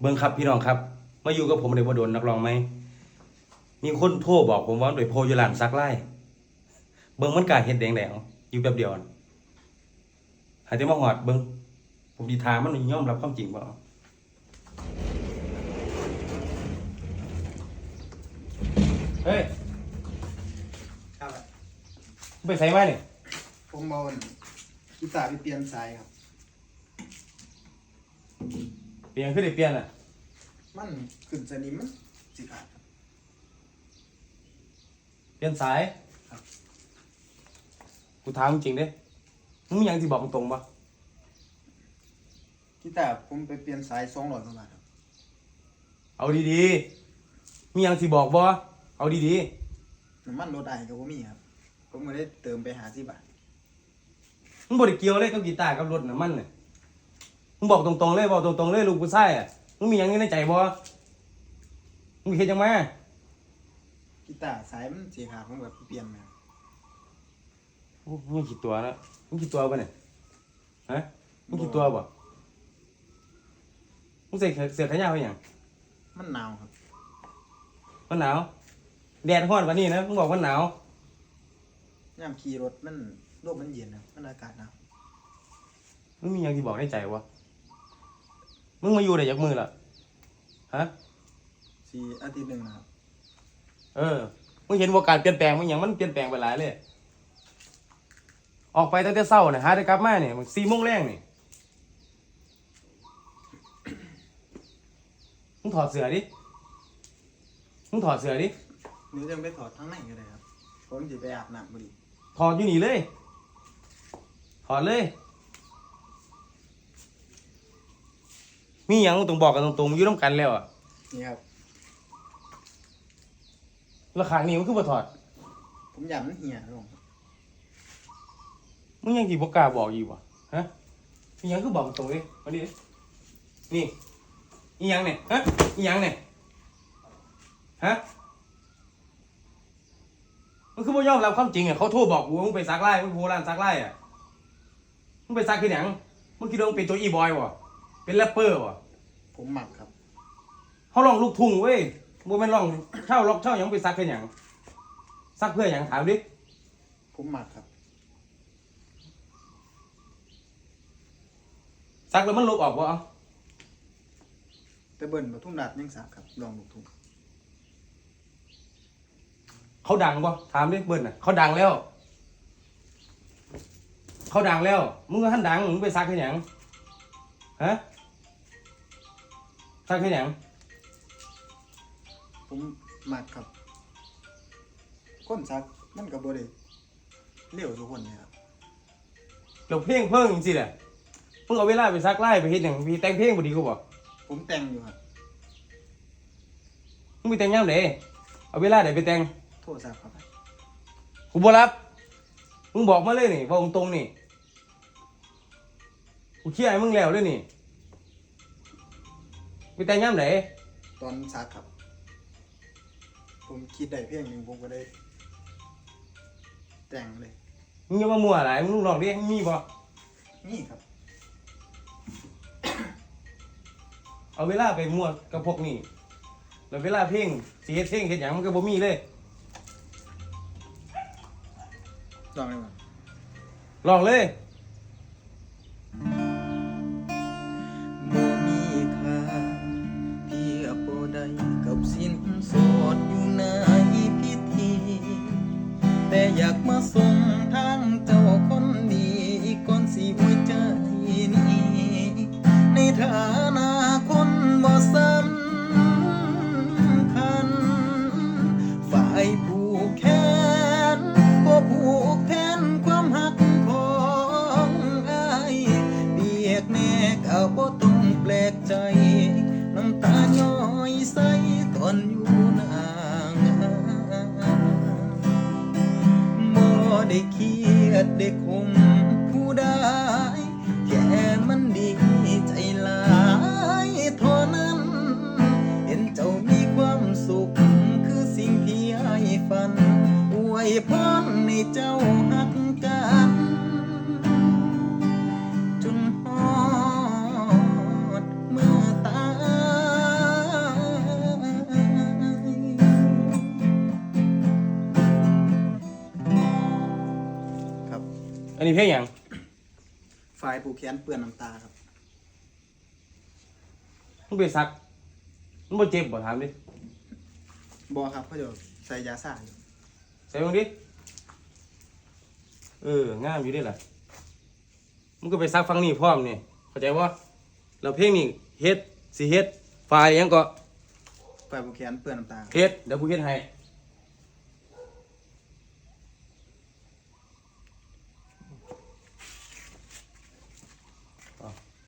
เบิ่งครับพี่น้องครับมาอยู่กับผมได้บ่โดนนักร้องไหมมีคนโทรบอกผมว่าโดยโพอยู่ร้านซักไล่เบิ่งมันกล้าเฮ็ดแดงแล้วอยู่แป๊บเดียวหาแต่มาหอดเบิ่งผมสิถามมันยอมรับความจริงบ่เฮ้ยครับไปใส่มานี่ผมเอากีตาร์ไปเปลี่ยนสายครับเปลี่ยนคือได้เปลี่ยนอ่ะมันขึ้นสนิมมันสิขาดครับเปลี่ยนสายครับกูถามจริงเด้มึงมีหยังสิบอกตรงๆบ่กีตาร์ผมไปเปลี่ยนสาย200 กว่าบาทครับเอาดีๆมีหยังสิบอกบ่เอาดีๆน้ำมันรถไอก็บ่มีครับผมก็ได้เติมไป50 บาทมึงบ่ได้เกี่ยวเลยกับกีตาร์กับรถน้ำมันน่ะมึงบอกตรงๆเลยบอกตรงๆเลยลูกผู้ชายอ่ะมึงมีหยังอยู่ในใจบ่มึงเฮ็ดจังมากีตาร์สายมันสิขาดผมแบบเปลี่ยนมาโอ้มึงคิดตัวนะมึงคิดตัวป่ะเนี่ยฮะมึงคิดตัวบ่มึงใส่เสื้อแขนยาวไปหยังมันหนาวครับมันหนาวแดดร้อนกว่านี้นะมึงบอกว่าหนาวยามขี่รถมันลมมันเย็นครับมันอากาศหนาวมึงมีหยังที่บอกในใจวะมึงมาอยู่ได้จักมือล่ะฮะ 4 อาทิตย์หนึงนะครับมึงเห็นว่าการเปลี่ยนแปลงมันหยังมันเปลี่ยนแปลงไปหลายเลยออกไปตั้งแต่เช้าเนี่ยหาได้กลับมาเนี่ยมัน4 โมงแรงนี่มึงถอดเสื้อดิมึงถอดเสื้อดิหรือจะไปถอดทั้งในก็ได้ครับผมสิไปอาบน้ำพอดีถอดอยู่นี่เลยถอดเลยมีหยังต้องบอกกันตรงๆอยู่ร่วมกันแล้วอ่ะนี่ครับแล้วข้างนี้มันคือบ่ถอดผมอยากมันเหี่ยลงมึงยังสิบ่กล้าบอกอีกวะฮะมีหยังคือบอกตรงเลยมาดินี่อีหยังเนี่ยฮะอีหยังเนี่ยฮะมันคือบ่ยอมรับความจริงอ่ะเขาโทรบอกกูว่ามึงไปซักไล่มึงโหร้านซักไล่อ่ะมึงไปซักคือหยังมึงคิดว่ามึงเป็นตัวอีบอยวะเป็นแรปเปอร์วะผมหมักครับเขาลองลูกทุ่งเว้ยบ่แม่นลองเช่าล็อกเช่าหยังไปซักคือหยังซักเพื่อหยังถามดิผมหมักครับซักแล้วมันลบออกบ่เอาแต่เบิ่นปทุมราชยังสักครับลองลูกทุ่งเขาดังบ่ถามดิเบิ้ลน่ะเขาดังแล้วเขาดังแล้วมึงก็ท่านดังมึงไปซักคือหยังฮะซักคือหยังผมหมักครับคนซักมันก็บ่ได้เลี้ยวทุกคนเนี่ยครับเราเพลงเพิ่งจริงๆแหละมึงเอาเวลาไปซักไล่ไปเฮ็ดหยังพี่แต่งเพลงบ่ดีกูบ่ผมแต่งอยู่ครับมึงไปแต่งยามใดเอาเวลาใดไปแต่งโทรศัพท์ครับกูบ่รับมึงบอกมาเลยนี่บอกตรงๆนี่กูเคลียร์ให้มึงแล้วเลยนี่ไปแต่งยามใดตอนซักครับผมคิดได้เพลงหนึงผมก็ได้แต่งเลยมึงอย่ามามั่วหลายมึงลองดิมึงมีบ่นี่ครับเอาเวลาไปมั่วกับพวกนี้แล้วเวลาเพลงสิเฮ็ดเพลงเฮ็ดหยังมันก็บ่มีเลยลองเลยมั้ยลองเลยบ่มีค่าเทียบบ่ได้กับสินสอดอยู่ในพิธีแต่อยากมาส่งทางเจ้าคนดีก่อนสิหัวใจนี้ในฐานะคนบ่สำคัญฝ่ายผู้แค้นบ่ผูกแทนความหักของอ้ายเปียกแนกเอาบ่ต้องแปลกใจน้ำตาย้อยใสตอนอยู่หน้างานบ่ได้เครียดได้คมผู้ใดแค่มันดีใจหลายเท่านั้นเห็นเจ้ามีความสุขคือสิ่งที่อ้ายฝันอวยพรให้เจ้าหักกันจนฮอดเมื่อตายอันนี้เพลงหยังฝ่ายผูกแขนเปื้อนน้ำตาครับมึงไปซักมึงบ่เจ็บบ่ถามดิบอครับเขาจะใส่ยาซ่าอยู่ใส่มึงดิงามอยู่เด้ล่ะมึงก็ไปซักฟังนี่พร้อมนี่เข้าใจบ่แล้วเพลงนี่เฮ็ดสิเฮ็ดฝ่ายหยังก็ฝ่ายผูกแขนเปื้อนน้ำตาเฮ็ดเดี๋ยวกูเฮ็ดให้